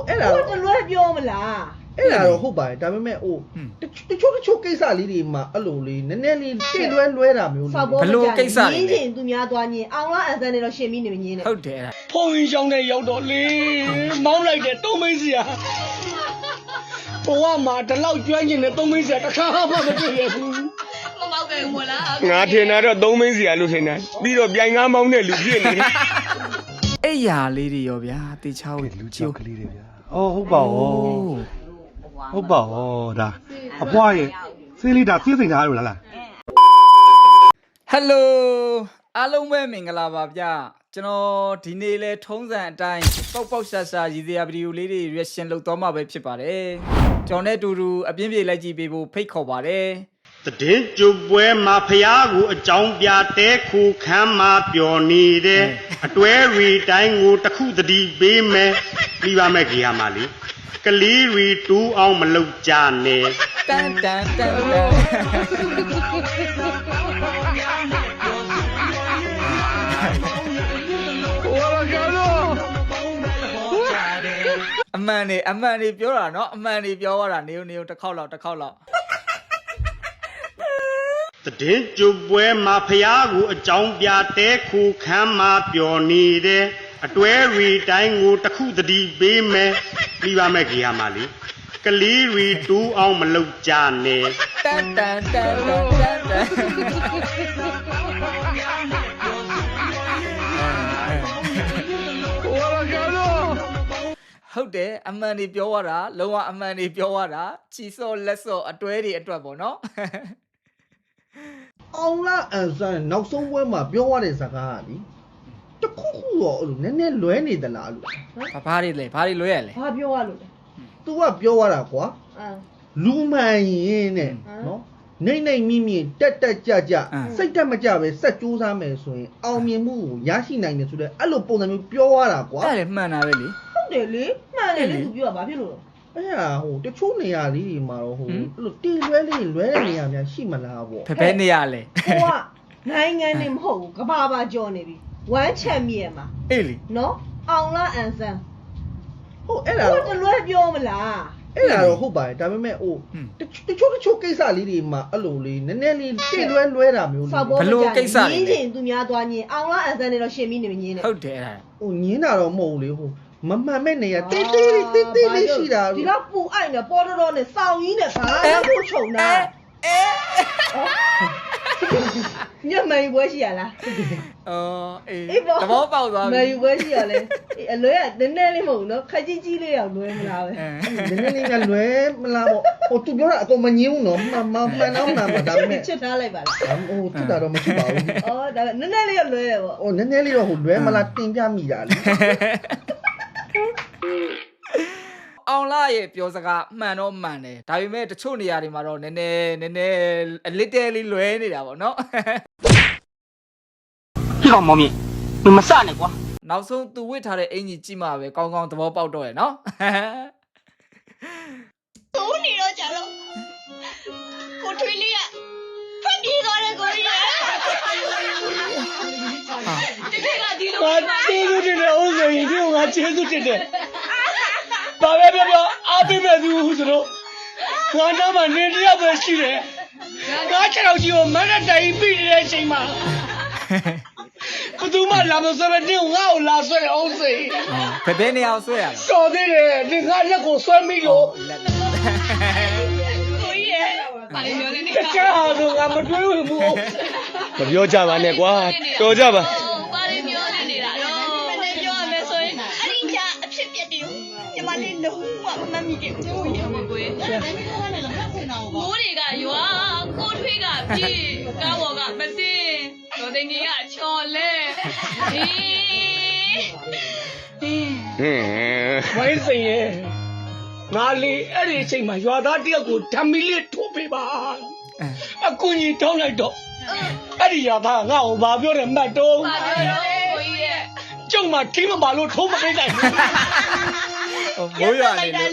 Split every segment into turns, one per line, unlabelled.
အဲ့ဒါတော့လွယ်ပြောမလားအဲ့ဒါတော့ဟုတ်ပါတယ်ဒါပေမဲ့ဟိုတချို့ကိစ္စလေးတွေမှာအဲ့လိုလေးနည်းနည်းလေးတိလွဲတာမျိုး
ဘလို့ကိစ္စ
လေးချင်းသူများသွားညင်အောင်လားအန်ဆန်နဲ့တော့ရှင်ပြီးနေမညင်းနဲ့
ဟုတ်တယ်
ဖုန်းကြီးချောင်းနဲ့ရောက်တော့လေမောင်းလိုက်တယ်သုံးမိတ်စရာဘဝမှာဒီလောက်ကျွမ်းကျင်တဲ့သုံးမိတ်စရာတစ်ခါမှမတွေ့ရဘူး
မမောက်ကြဘူးမလား
ငါထင်တာတော့သုံးမိတ်စရာလို့ထင်တာပြီးတော့ပြိုင်ကားမောင်းတဲ့လူဖြစ်နေတယ်
အဲ့ရာလေးတွေရောဗျာတေချာကို
လူချောက်ကလေးတွေဗျာအော်ဟုတ်ပါဩဟုတ်ပါဩဒါအဖွားရဲ့ဆေးလေးဒါဆေးစိန်ထားလို့လား
ဟယ်လိုအားလုံးပဲမင်္ဂလာပါဗျကျွန်တော်ဒီနေ့လဲထုံးစံအတိုင်းပေါက်ရှာရှာရည်စရာဗီဒီယိုလေးတွေ reaction လုပ်သွားမှာပဲဖြစ်ပါတယ်ကျွန်တော်နဲ့အတူတူအပြင်းပြေလိုက်ကြည့်ပေးဖို့ဖိတ်ခေါ်ပါတယ်
တည်င်းကျုပ်ပွဲမှာဖျားကိုအကြောင်းပြတဲခုခမ်းမှာပျော်နေတဲ့အတွဲရီတိုင်းကိုတစ်ခုတည်းပေးမယ်ပြီးပါမယ်ကြီးဟာမလေးကလေးရီတူးအောင်မလုပ်ကြနဲ့
တန်တန်တန်တန်အမှန်နေပြောတာเนาะအမှန်နေပြောရတာနေတစ်ခေါက်လောက်
တည်င်းကျုပ်ပွဲမှာဖျားကိုအကြောင်းပြတဲခုခမ်းမှာပျော်နေတဲ့အတွဲရီတိုင်းကိုတစ်ခုတည်းပေးမယ်ပြီးပါမယ်ကြီးဟာမလေးကလေးရီတူးအောင်မလုပ်ကြနဲ့
တန်တန်တန်တန်တန်ဟုတ်တယ်အမှန်နေပြောရတာလုံးဝအမှန်နေပြောရတာချီစော့လက်စော့အတွဲတွေအတွက်ပေါ့နော်
အောင်လားအန်ဆန်နောက်ဆုံးပွဲမှာပြောရတဲ့စကားကလေတခုတော့အဲ့လိုနည်းနည်းလွဲနေသလားလို့
ဘာတွေလွဲရလဲ
ဘာပြောရလို့လဲ
तू ကပြောရတာကွာလူမှန်ရင်တဲ့နော်နေမိတက်ကြစိတ်တက်မကြပဲစက်ကြိုးစားမယ်ဆိုရင်အောင်မြင်မှုကိုရရှိနိုင်တယ်ဆိုတဲ့အဲ့လိုပုံစံမျိုးပြောရတာကွာ
အဲ့ဒါမှန်တာပဲလေ
ဟုတ်တယ်လေမှန်တယ်လေ तू ပြောတာဘာဖြစ်လို့
လဲအဲ့ဒါဟိုတချို့နေရာလေးတွေမှာတော့ဟိုအဲ့လိုတီလွဲတဲ့နေရာများရှိမလားပေါ့
ဖဲနေရာလေ
ဟိုကနိုင်ငံနေမဟုတ်ဘူးကဘာပါကြော်နေပြီဝမ်းချန်မြေမှာ
အေးလေ
နော်အောင်လားအန်ဆန်
ဟိုအဲ့ဒါတော့
တလွဲပြောမလား
အဲ့ဒါတော့ဟုတ်ပါတယ်ဒါပေမဲ့ဟိုတချို့ကိစ္စလေးတွေမှာအဲ့လိုလေးနည်းနည်းလေးတိလွဲတာမျိုး
ဘလို့ကိစ္စ
လေးညင်းချင်းသူများသွားညင်းအောင်လားအန်ဆန်နဲ့တော့ရှင်ပြီးနေမညင်းနဲ့
ဟုတ်တယ်အဲ့ဒါ
ဟိုညင်းတာတော့မဟုတ်ဘူးလေဟိုမမှန်မဲ့နေရတိလေးရှိတာ
ဒီတော့ပူအိုက်နေပေါ်တော်နဲ့စောင်းကြီးနဲ့ဘာလို့ချုံတာညမေးပွဲရှိရလား
အေးသဘောပေါက်သွား
ပြီမေးပွဲရှိရလဲအလွဲကနည်းနည်းလေးမဟုတ်ဘူးနော်ခက်ကြီးလေးအောင်လွဲမလားပဲ
နည်းနည်းလေးကလွဲမလားပေါ့ဟိုသူပြောတာအကုန်မငြင်းဘူးနော်မှန်တော့မှန်ပါဒါပေမဲ့
ချစ်ထားလိုက်ပါလား
ဟိုချစ်တာတော့မချစ်ပါဘူး
အော်ဒါနည်းနည်းလေးလွဲတယ်ပေါ့
ဟိုနည်းနည်းလေးတော့ဟိုလွဲမလားတင်ပြမိတာလေ
အောင်လာရဲ့ပြောစကားမှန်တော့မှန်တယ်ဒါပေမဲ့တချို့နေရာတွေမှာတော့နည်းနည်းအလစ်တဲလေးလွဲနေတာပေါ့နော်
ဒီကောင်မောင်မြင့်မစနဲ့ကွာ
နောက်ဆုံးသူဝစ်ထားတဲ့အင်ကြီးကြည့်မှပဲကောင်းကောင်းသဘောပေါက်တော့ရနော်
သုံးနေတော့ကြတော့ကိုထွေးလေးကဖက်ပြေးသွားတယ်ကိုကြီးတကယ်ကဒီလို
ငါကျေးဇူးတင်တယ်ဦးစိန်ဒီကိုငါကျေးဇူးတင်တယ်ဘာပဲပြောအားပေးမဲ့သူဆိုတော့ငါတော့မှနေတယောက်ပဲရှိတယ်ငါခြေတော်ကြီးကိုမနဲ့တိုင်ပြီးနေတဲ့အချိန်မှာဘသူမှလာမစပဲတင်းငါ့ကိုလာဆွဲတယ်အောင်စိ
ဘယ်နေရာဆွဲရလဲ
တော်သေးတယ်ဒီငါလက်ကိုဆွဲမိလို့
ကိုကြီးရဲ့ပါလိမျိုးလေးနေ
တခြားဟာဆိုငါမတွေးဘူးမပြောကြပါနဲ့ကွာတော်ကြပါ
ပါလိမျိုးနေနေတာတော့မနေ့ပြောရမယ်ဆိုရင်အရင်ကအဖြစ်ပြက်တယ်ညီမလေးလုံးဝမမှတ်မိခဲ့ဘူးကိုကြီးမိုးတွေကရွာကိုထွေးကပြေးကားပေါ်ကမတင်တော်တင်ကြီးကချော်လဲ
ဝိုင်းစိန်ရဲ့ငါလေးအဲ့ဒီအချိန်မှာရွာသားတယောက်ကိုဓာမီလေးထိုးပေးပါအကူကြီးထောင်းလိုက်တော့အဲ့ဒီရွာသားငါ့ကိုဘာပြောတယ်မှတ်တော့
ဘာပြောလဲကိုကြီးရဲ့
ကျုံမှာထိမပါလို့ထိုးမပေးနိုင်ဘူး
မိုးရွာနေလို့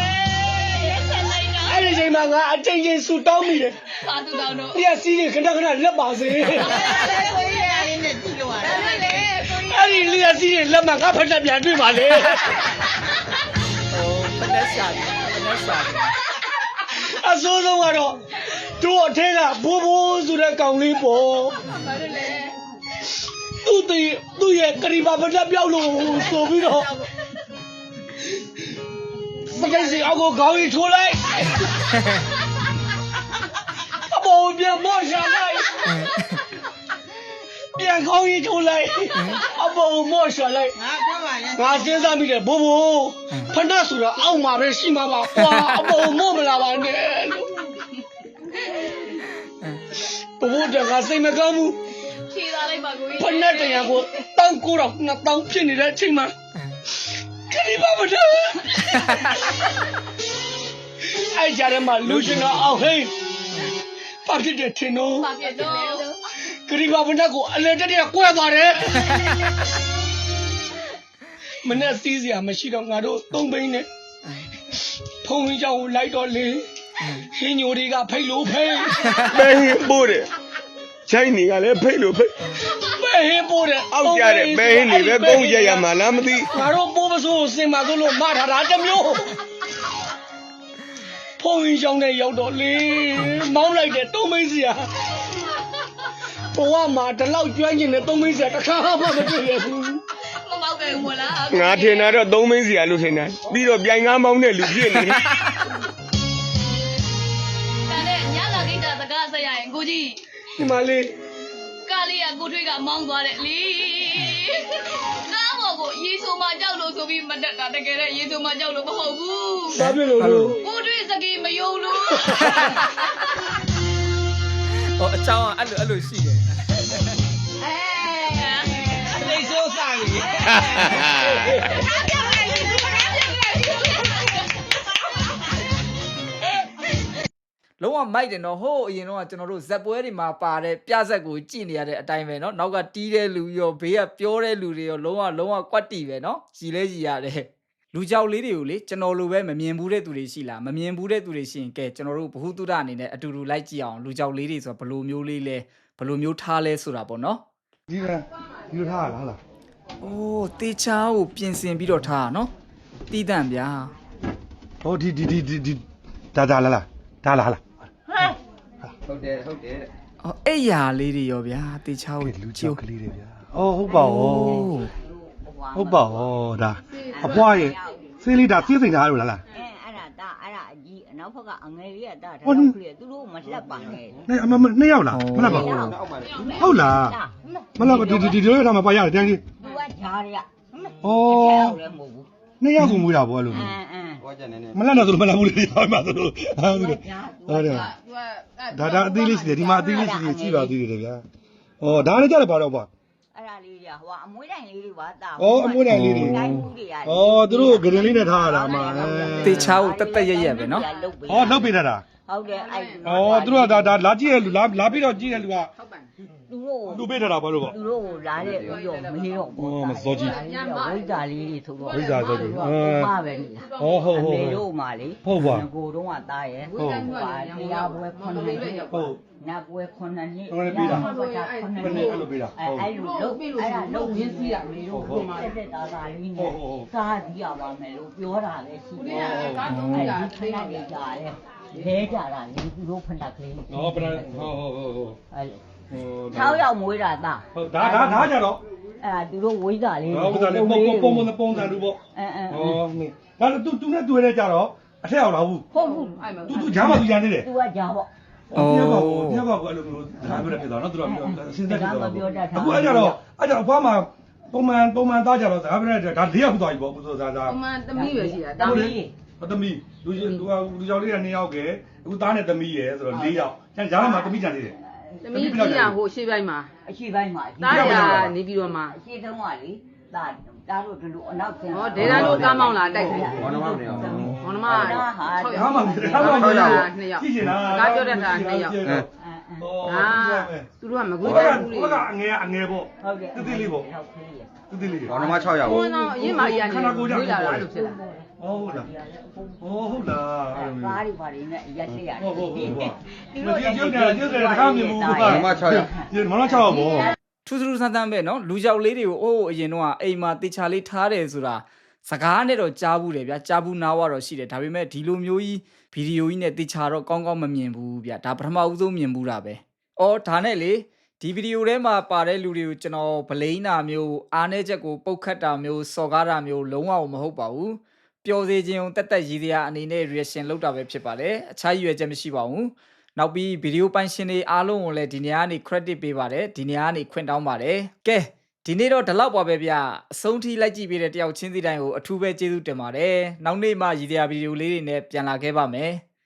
အဲ့ဒီချိန်မှာငါအချိန်ချင်းဆူတောင်းမိတယ်
ဘာသူတောင်းတော့
ပြက်စီးရင်ခဏလက်ပါစေ
ကိုကြီးရဲ့အင်းနဲ့ကြည့်လို့ရတယ်
အဲ့ဒီလျက်စီးရင်လက်မှငါဖက်တက်ပြန်တွေ့ပါလေ
နဲ့ရှာတယ်
အစိုးဆုံးကတော့တို့အထက်ကဘိုးဘိုးဆိုတဲ့ကောင်လေးပေါ့
ဘာလို့လဲ
သူ့ရဲ့ကရိပါပဒပြောက်လို့ဆိုပြီးတော့စကိတ်စီအောက်ကိုခေါင်းကြီးထိုးလိုက်အပေါ်ပြန်မော့ရှာလိုက်ပြန်ခေါင်းကြီးထိုးလိုက်အပေါ်မော့ရှာလိုက်ငါစဉ်းစားမိတယ်ဘိုးဘိုးဖဏဆိုတာအောက်မှာပဲရှိမှာပါကွာအပေါ်မော့မလာပါနဲ့ဘိုးဘိုးတကစိတ်မကောင်းဘူး
ဖြေလာလိုက်ပါကိုကြီး
ဖဏတရားကိုတောင်းကိုတော့2000ဖြစ်နေတဲ့အချိန်မှာခရီးပါမတော်အဲ့ကြရမှာလူရှင်ကအောင်ဟိဘာဖြစ်တယ်ထင်တော့
ပါပြတော့
ခရီးပါမတော်ကိုအလဲတက်တက်ကွဲသွားတယ်မနဲ့စီးစရာမရှိတော့ငါတို့သုံးဘိန်းနဲ့ဖုံဝင်ကြောင်လိုက်တော့လေဟင်းညိုတွေကဖိတ်လို့ဖိတ်
ပဲဟင်းပိုးတယ်ချိုင်းနေကလည်းဖိတ်လို့ဖိတ်
ပဲဟင်းပိုးတယ်
အောက်ကြတဲ့ပဲဟင်းတွေပဲကုန်းကြရမှာလားမသိ
ငါတို့ပိုးပစိုးကိုစင်ပါဆိုလို့မထားတာတစ်မျိုးဖုံရင်ချောင်းနဲ့ရောက်တော့လေမောင်းလိုက်တဲ့သုံးမိတ်စရာဘဝမှာဒီလောက်ကျွမ်းကျင်တဲ့သုံးမိတ်စရာတစ်ခါမှမတွေ့ရဘူး
မမောက်ကြဘူးမလား
ငါထင်တာတော့သုံးမင်းစီရလို့ထင်တယ်ပြီးတော့ပြိုင်ကားမောင်းတဲ့လူဖြစ်နေတယ်
ဒါနဲ့ညလာကိတာစကားဆက်ရရင်ကိုကြီး
ဒီမှာလေ
ကားလေးကကိုထွေးကမောင်းသွားတယ်လေကားပေါ်ကိုရေဆိုမှကြောက်လို့ဆိုပြီးမတက်တာတကယ်တော့ရေဆိုမှကြောက်လို့မဟုတ်ဘူး
ဘာဖြစ်လို့လို့
ကိုထွေးစကေးမယုံလို့
ဟောအချောင်းကအဲ့လိုရှိတယ်
လိတ်ဆိုးစားကြီး
လုံးဝမိုက်တယ်နော်ဟိုးအရင်တော့ကျွန်တော်တို့ဇက်ပွဲတွေမှာပါတဲ့ပြဇက်ကိုကြည့်နေရတဲ့အတိုင်းပဲနော်နောက်ကတီးတဲ့လူရောဘေးကပြောတဲ့လူတွေရောလုံးဝကွက်တီပဲနော်ကြည်လဲကြည်ရတယ်လူကြောက်လေးတွေကိုလေကျွန်တော်လိုပဲမမြင်ဘူးတဲ့သူတွေရှိလားမမြင်ဘူးတဲ့သူတွေရှိရင်ကဲကျွန်တော်တို့ဘ ഹു တုဒအနေနဲ့အတူတူလိုက်ကြည့်အောင်လူကြောက်လေးတွေဆိုဘယ်လိုမျိုးလေးလဲဘယ်လိုမျိုးထားလဲဆိုတာပေါ့နော်
ဒီလိုထားရလားဟုတ်လား
အိုးတေချာကိုပြင်ဆင်ပြီးတော့ထားတာနော်တီးတန့်ဗျာ
ဟောဒီဒါလားဒါလား
ဟုတ်တယ်တဲ့
အော်အဲ့ယာလေးတွေရောဗျာတေချာကို
လူကြောက်ကလေးတွေဗျာအော်ဟုတ်ပါဟုတ်ပါဒါအပွားရဲ့စေးလေးဒါစေးစိန်ထားရလို့လား
အဲ့ဒါအကြီးအနောက်ဘက်ကအငယ်လေးကဒါတော့ခရီးသူတို့မလှက်ပါနဲ့
နှစ်ယောက်လားမလားပါဟုတ်လားမလားဒီလိုထားမှာပါရတယ်တန်းကြီး
သူကဂျားတွေက
အော်
လည်းမဟုတ်ဘူး
နှစ်ယောက်ကိုမွေးတာပေါ့အဲ့လို
ဟွာကြနေနေ
မလားတော့မလားဘူးလေဟောမှာဆိုလို့ဟုတ်တယ်ဒါအသေးလေးရှိတယ်ဒီမှာအသေးလေးရှိတယ်ကြည့်ပါသေးတယ်ဗျာဩဒါလည်းကြတယ်ပါတော့ပါ
အဲ့ဒါလေးတွေကဟိုအမွေးတိုင်လေးတွေပါတာ
ဩအမွေးတိုင်လေးတွေ
တိုင်းမှုတွေရတယ်
ဩသူတို့ဂရင်လေးနဲ့ထားရတာအမှ
တေချာကိုတက်ရက်ပဲနော်
ဩလောက်ပေးတတ်တာ
ဟုတ်တယ်အဲ့
ဩသူတို့ကဒါလာကြည့်ရလူလာပြီးတော့ကြည့်ရလူက
သူတို့
လူပေးတတ်တာဘာလို့ပေါ့
သူတို့ကိုလာတဲ့ပြီးတော့မေးတော့
ဩမစောကြီး
ဝိဇာလေးတွေဆိုတော့
ဝိဇ္ဇာဆိုကြီး
ပါပဲနိလား
ဟုတ်
မေတို့မှလေ
ဟုတ်ပါ
ကိုတော့ကတားရဲ့
ဟုတ်
တရားပွဲ9နှစ်
ဟုတ်
နတ်ပွဲ9နှစ်
ဟုတ်တယ်ပြီးတာ
9
ဘယ်နဲ့အဲ့လိုပေးတာ
အဲ့လိုလုံးအဲ့ဒါလုံးရင်းစီးရမေတို့ကိုတက်တာသားလေးနဲ့စားကြည့်ရပါမယ်လို့ပြောတာလည်းရှိတယ်အဲ့ဒီခဏလေးကြာတယ်လဲကြတာလေသူတို့ဖဏကလေး
ဩပရဟုတ်
အဲ့6ယောက်မွေးတာသား
ဟုတ်ဒါကြတော့
အဲ့ဒါသူတို့ဝိဇ္ဇာလေး
ဟုတ်ကဲ့ပုံစံလူပေါ့
အဲ
ဩဒါသူနဲ့တွေ့ရကြတော့အထက်အောင်လာဘူး
ဟုတ်ဘူး
သူဂျာမသူရနေတယ်
သူကကြာပေါ့
တယောက်ကအဲ့လိုမျိုးဒါပြောဖြစ်သွားနော်သူတို့စဉ်းစားကြည့်တော့အခုအဲ့ကြတော့အဖွားမှာပုံမှန်သားကြတော့ဒါပြောတဲ့ဒါ၄ယောက်သွားပြီပေါ့ဘုရားသား
အမှန်သမီးပဲရှိတာ
တောင်းကြီး
သမီးလူကြောင်လေးက2ယောက်ကအခုသားနဲ့သမီးရယ်ဆိုတော့4ယောက်ကျန်ဂျာမှာသမီးကြံသေးတယ်
သမီးကြီးရဟိုရှေ့ပိုင်းမှာ
အရှိပိုင်းမှာ
တားရနေပြီးတော့မှ
အရှိတုံးကလေတားတို့ဒီလိုအနောက်ဆင်း
ဟောဒေတာတို့ကားမောင်းလာတိုက်တယ်
ဘောနမောင်နေအောင်
ဘောနမ
ဟာ
6
မှာ
2ယောက်
ကြည့်ချင်လား
ကားပြောတတ်တာ2ယောက်
ဟော
သူတို့ကမကွေး
ဟို
တဲ့ဘူးလေ
ကအငယ်ပေါ့
ဟုတ်တယ်
တိတိလေးပေါ့
ဟုတ်ကဲ့
တိတိလေး
ဘောနမ6ယောက်
ဘုန်းတော်အရင်မကြီးကနေဝေးလာတာအဲ့လိုဖြစ်လာ
ဟုတ်လားဟုတ်လားအဲ့လို
ကားတွေဘာတွေနဲ့ရက်လက်ရတယ်
ဟုတ်ကျုပ်ကတခါမြင်ဘူး
ဘောနမ6ယောက်
ဒီမလား6ယောက်ပေါ့
ထူးထူးဆန်းဆန်းပဲနော်လူကြောက်လေးတွေကိုအိုးအရင်တော့အိမ်မှာတေချာလေးထားတယ်ဆိုတာစကားနဲ့တော့ကြားဘူးတယ်ဗျာကြားဘူးနားဝတော့ရှိတယ်ဒါပေမဲ့ဒီလိုမျိုးကြီးဗီဒီယိုကြီးနဲ့တေချာတော့ကောင်းကောင်းမမြင်ဘူးဗျာဒါပထမဦးဆုံးမြင်ဘူးတာပဲအော်ဒါနဲ့လေဒီဗီဒီယိုထဲမှာပါတဲ့လူတွေကိုကျွန်တော်ဗလိန်တာမျိုးအားနည်းချက်ကိုပုတ်ခတ်တာမျိုးစော်ကားတာမျိုးလုံးဝမဟုတ်ပါဘူးပျော်စေခြင်းတက်တက်ရည်စရာအနေနဲ့ reaction လုပ်တာပဲဖြစ်ပါတယ်အခြားရွယ်ချက်မရှိပါဘူးနောက်ပြီးဗီဒီယိုပိုင်ရှင်တွေအားလုံးကိုလည်းဒီနေရာကနေ credit ပေးပါတယ်ဒီနေရာကနေခွင့်တောင်းပါတယ်ကဲဒီနေ့တော့ဒီလောက်ပါပဲဗျအဆုံးထိလိုက်ကြည့်ပေးတဲ့တယောက်ချင်းစီတိုင်းကိုအထူးပဲကျေးဇူးတင်ပါတယ်နောက်နေ့မှရည်စရာဗီဒီယိုလေးတွေနဲ့ပြန်လာခဲ့ပါမယ်